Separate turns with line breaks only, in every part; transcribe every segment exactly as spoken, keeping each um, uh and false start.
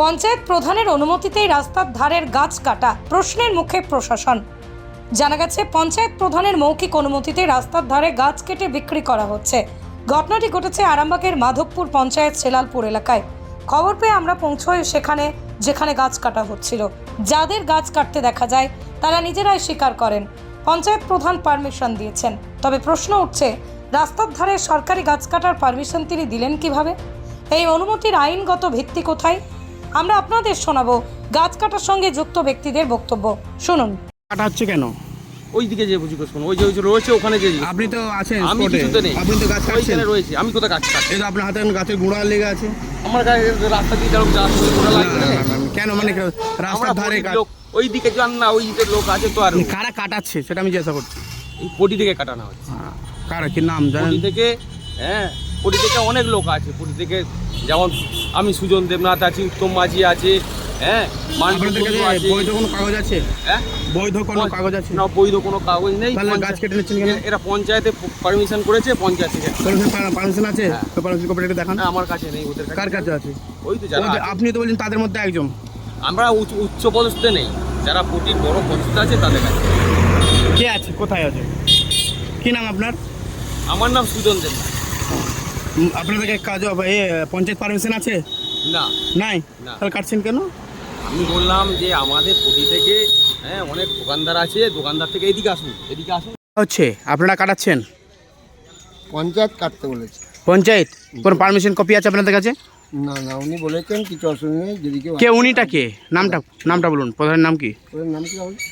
পঞ্চায়েত প্রধানের অনুমতিতেই রাস্তার ধারের গাছ কাটা, প্রশ্নের মুখে প্রশাসন। জানা গেছে পঞ্চায়েত প্রধানের মৌখিক অনুমতিতে রাস্তার ধারে গাছ কেটে বিক্রি করা হচ্ছে। ঘটনাটি ঘটেছে আরামবাগের মাধবপুর পঞ্চায়েত সেলালপুর এলাকায়। খবর পেয়ে আমরা পৌঁছই সেখানে, যেখানে গাছ কাটা হচ্ছিল। যাদের গাছ কাটতে দেখা যায় তারা নিজেরাই স্বীকার করেন পঞ্চায়েত প্রধান পারমিশন দিয়েছেন। তবে প্রশ্ন উঠছে, রাস্তার ধারে সরকারি গাছ কাটার পারমিশন তিনি দিলেন কিভাবে? এই অনুমতির আইনগত ভিত্তি কোথায়? আমরা আপনাদের শোনাবো গাছ কাটার সঙ্গে যুক্ত ব্যক্তিদের বক্তব্য। শুনুন।
কাটা হচ্ছে কেন?
ওই দিকে যে বুঝি কোন ওই যে ওই যে রয়েছে ওখানে যে
আপনি তো আছেন
আমি
স্পটে,
কিছুতে নেই,
আপনি তো গাছ কাটছেন।
ওইখানে রয়েছে, আমি কোথায় গাছ কাটছি?
এই তো আপনার হাতে এখন গাছের গুঁড়া লেগে আছে।
আমার গায়ে রাস্তা দিয়ে যাও যা শুরু করা
না,
লাগবে
না,
না।
না, না, কেন মানে
আমরা
রাস্তার ধারে
পটির
গাছ-
লোক, ওই দিকে যান না, ওই দিকে লোক আছে তো। আর
কারা কাটাচ্ছে সেটা আমি জিজ্ঞাসা করছি।
এই পটি থেকে কাটানো হচ্ছে।
হ্যাঁ, কারা কি নাম জানেন?
পটি থেকে, হ্যাঁ পটি থেকে অনেক লোক আছে। পটি থেকে যেমন আমি সুজন দেবনাথ আছি, উত্তম মাঝি আছে, হ্যাঁ
আপনাদের কাছে
মানব আছে।
বৈধ কোনো কাগজ আছে?
হ্যাঁ
বৈধ কোনো কাগজ আছে?
না, বৈধ কোনো কাগজ নেই।
তাহলে গাছ কেটে নিচ্ছেন কেন?
এরা পঞ্চায়েতে পারমিশন করেছে, পঞ্চায়েত থেকে।
পারমিশন আছে?
হ্যাঁ।
তো পারমিশন কপিটা দেখান।
না, আমার কাছে নেই, ওদের
কার কাছে আছে?
ওই তো যারা
ওদের-
আছে।
আপনি তো বলছেন তাদের মধ্যে একজন।
আমরা উচ্চ উচ্চ পদস্থে নেই, যারা পটির বড় পদস্থ আছে তাদের কাছে।
কে আছে? কোথায় আছে? কি নাম আপনার?
আমার নাম সুজন দেব।
উম, আপনাদের কাজ এ পঞ্চায়েত পারমিশন আছে?
না,
নাই?
না।
তাহলে কাটছেন কেন?
আমি বললাম যে আমাদের পটি থেকে, হ্যাঁ অনেক দোকানদার আছে, দোকানদার থেকে এদিকে আসুন, এদিকে আসুন।
হচ্ছে আপনারা কাটাচ্ছেন?
পঞ্চায়েত কাটতে বলেছে।
পঞ্চায়েত কোনো পারমিশন কপি আছে আপনাদের কাছে?
না না, উনি বলেছেন কিছু অসুবিধা নেই, যদি কেউ
কে উনিটা কে? নামটা নামটা বলুন, প্রধানের নাম কি?
ওদের নাম কি হবে?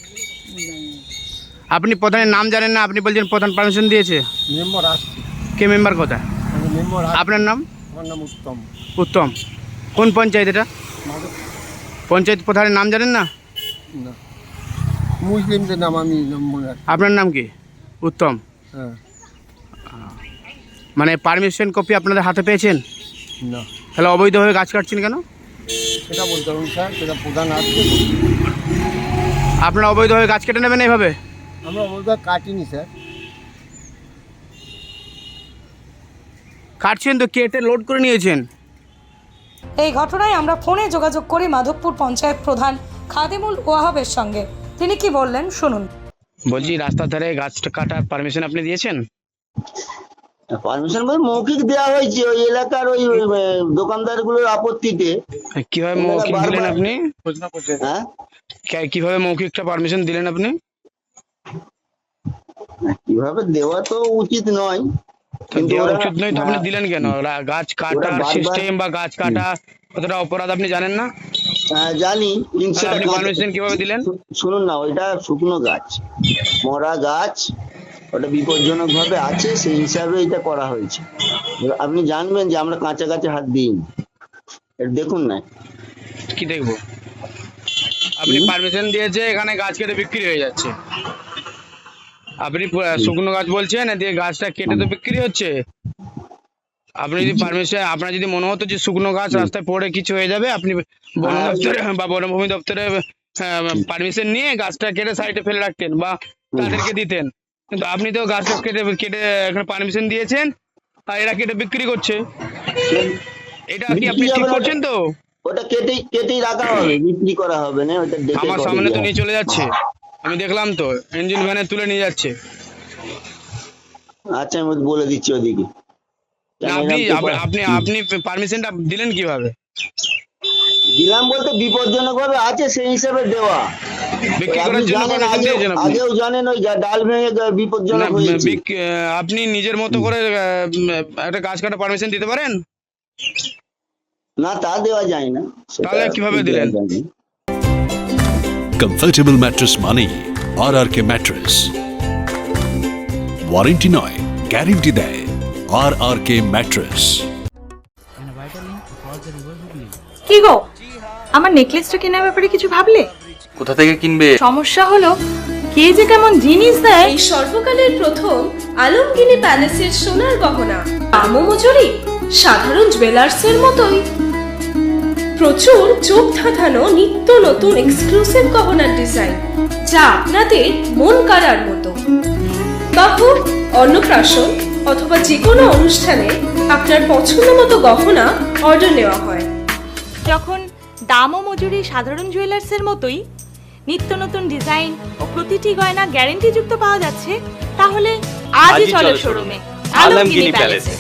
আপনি প্রধানের নাম জানেন না, আপনি বলছেন প্রধান পারমিশন দিয়েছে।
মেম্বার আসছে,
কে মেম্বার কথা?
আমি মেম্বার আসছে।
আপনার নাম?
আমার নাম উত্তম।
উত্তম। কোন পঞ্চায়েত এটা?
মাধব
পঞ্চায়েত প্রধানের নাম জানেন না?
না, মুসলিমদের নাম আমি নাম মনে রাখি।
আপনার নাম কি? উত্তম।
হ্যাঁ।
মানে পারমিশন কপি আপনাদের হাতে পেয়েছেন?
না,
তাহলে অবৈধভাবে গাছ কাটছেন কেন?
সেটা বলতে পারুন স্যার, সেটা প্রধান আসছে।
আপনারা অবৈধভাবে গাছ কেটে নেবেন এইভাবে?
আমরা অবস্থা কাটিনি স্যার।
কাটছেন তো, কেটে লোড করে নিয়েছেন।
এই ঘটনায় আমরা ফোনে যোগাযোগ করি মাধবপুর পঞ্চায়েত প্রধান খাদিমুল ওয়াহাবের সঙ্গে। তিনি কি বললেন শুনুন।
বলছি রাস্তার ধারে গাছটা কাটার পারমিশন আপনি দিয়েছেন?
পারমিশন বলতে মৌখিক দেওয়া হয়েছে ওই এলাকার ওই দোকানদার গুলোর আপত্তিতে।
কিভাবে মৌখিক দিলেন আপনি?
হ্যাঁ,
কে- কিভাবে মৌখিকটা পারমিশন দিলেন আপনি?
কিভাবে দেওয়া তো উচিত নয়, কিন্তু
দেওয়া
ওরা-
উচিত নয় তো আপনি
হ্যাঁ,
দিলেন কেন? রা- গাছ কাটার
বারবার-
সিস্টেম বা গাছ কাটা কতটা অপরাধ আপনি জানেন না?
হ্যাঁ, জানি, কিন্তু
তাহলে
সেটা
আপনি
কাঁচা-
পারমিশন কিভাবে দিলেন?
শু- শুনুন না, ওইটা শুকনো গাছ, মরা গাছ, ওটা বিপজ্জনক ভাবে আছে, সেই হিসাবে এটা করা হয়েছে। আপনি জানবেন যে আমরা কাঁচা গাছে হাত দিই, দেখুন না।
কি দেখবো? আপনি পারমিশন দিয়েছে, এখানে গাছ কেটে বিক্রি হয়ে যাচ্ছে। আপনি প- শুকনো গাছ বলছেন, দিয়ে গাছটা কেটে তো বিক্রি হচ্ছে। আপনি যদি পারমিশন, আপনার যদি মনে হতো যে শুকনো গাছ রাস্তায় পড়ে কিছু হয়ে যাবে, আপনি বন
হ্যাঁ,
দপ্তরে বা বনভূমি দপ্তরে পারমিশন নিয়ে গাছটা কেটে সাইডে ফেলে রাখতেন বা তাদেরকে দিতেন। কিন্তু আপনি তো গাছটা কেটে কেটে এখানে পারমিশন দিয়েছেন, আর এরা কেটে বিক্রি করছে। এটা কি আপনি ঠিক করছেন তো?
ওটা কেটেই কেটেই রাখা হবে, বিক্রি করা হবে না, ওটা ডেকে
আমার
করে
সামনে তো
দেওয়া
নিয়ে চলে যাচ্ছে, আমি দেখলাম তো, ইঞ্জিন ভ্যানে তুলে নিয়ে যাচ্ছে।
হবে। আচ্ছা, আমি বলে দিচ্ছি ওদিকে।
না, আপনি আপনি আপনি পারমিশনটা দিলেন কিভাবে?
দিলাম বলতে বিপজ্জনক ভাবে আছে, সেই হিসাবে দেওয়া।
বিক্রি
আপনি
করার জন্য
জানেন,
পারমিশন
আগেও
দিয়েছেন আপনি?
আগেও জানেন ওই গা- ডাল ভেঙে গা-
না,
বিপজ্জনক হয়েছে।
বিক- আপনি নিজের মতো করে আহ, একটা গাছ কাটা পারমিশন দিতে পারেন?
না, তা দেওয়া যায় না। সেটা
তাহলে কিভাবে
দেওয়া
দিলেন?
যায় না।
কমফোর্টেবল ম্যাট্রেস মানেই R R K mattress. Warranty নয়, গ্যারেন্টি দেয় আর আর কে ম্যাট্রেস।
কি গো, আমার নেকলেসটা কেনার ব্যাপারে কিছু ভাবলে?
কোথা থেকে কিনবে?
সমস্যা হলো কে যে কেমন জিনিস দেয়।
এই সর্বকালের প্রথম আলমগিনি প্যালেসের সোনার গহনা, দামও মজুরি সাধারণ জুয়েলার্সের মতোই। প্রচুর চোখ ধাঁধানো নিত্য নতুন এক্সক্লুসিভ গহনার ডিজাইন, যা আপনাদের মন কাড়ার মতো। বাহু, অন্নপ্রাশন অথবা যে কোনো অনুষ্ঠানে আপনার পছন্দ মতো গহনা অর্ডার নেওয়া হয়।
যখন দাম ও মজুরি সাধারণ জুয়েলার্সের মতোই? নিত্য নতুন ডিজাইন ও প্রতিটি গয়না গ্যারান্টি যুক্ত পাওয়া যাচ্ছে? তাহলে আজই চলো শোরুমে আলমগিরি প্যালেসে।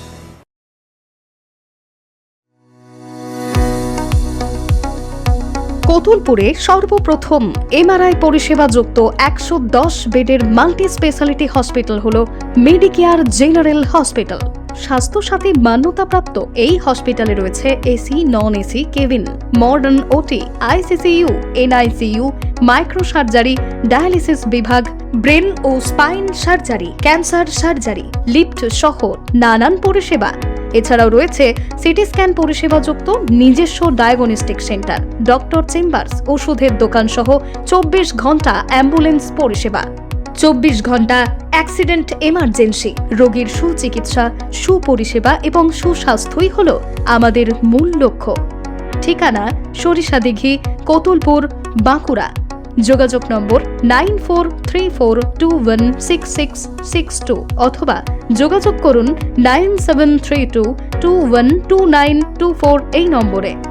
কতুলপুরে সর্বপ্রথম এমআরআই পরিষেবা যুক্ত একশো দশ বেডের মাল্টি স্পেশালিটি হসপিটাল হল মেডিকেয়ার জেনারেল হসপিটাল। স্বাস্থ্যসাথী মান্যতাপ্রাপ্ত এই হসপিটালে রয়েছে AC, non AC cabin, modern OT, ICCU, NICU, micro surgery, dialysis বিভাগ, ব্রেন ও spine surgery, cancer surgery, lift সহ নানান পরিষেবা। এছাড়াও রয়েছে সিটি স্ক্যান পরিষেবাযুক্ত নিজস্ব ডায়াগনস্টিক সেন্টার, ডক্টর চেম্বার্স, ওষুধের দোকান সহ চব্বিশ ঘন্টা অ্যাম্বুলেন্স পরিষেবা। চব্বিশ ঘন্টা অ্যাক্সিডেন্ট এমার্জেন্সি, রোগীর সুচিকিৎসা, সুপরিষেবা এবং সুস্বাস্থ্যই হল আমাদের মূল লক্ষ্য। ঠিকানা সরিষাদিঘি, কতুলপুর, বাঁকুড়া। যোগাযোগ number nine four three four two one six six six two অথবা যোগাযোগ করুন nine seven three two two one two nine two four এই নম্বরে।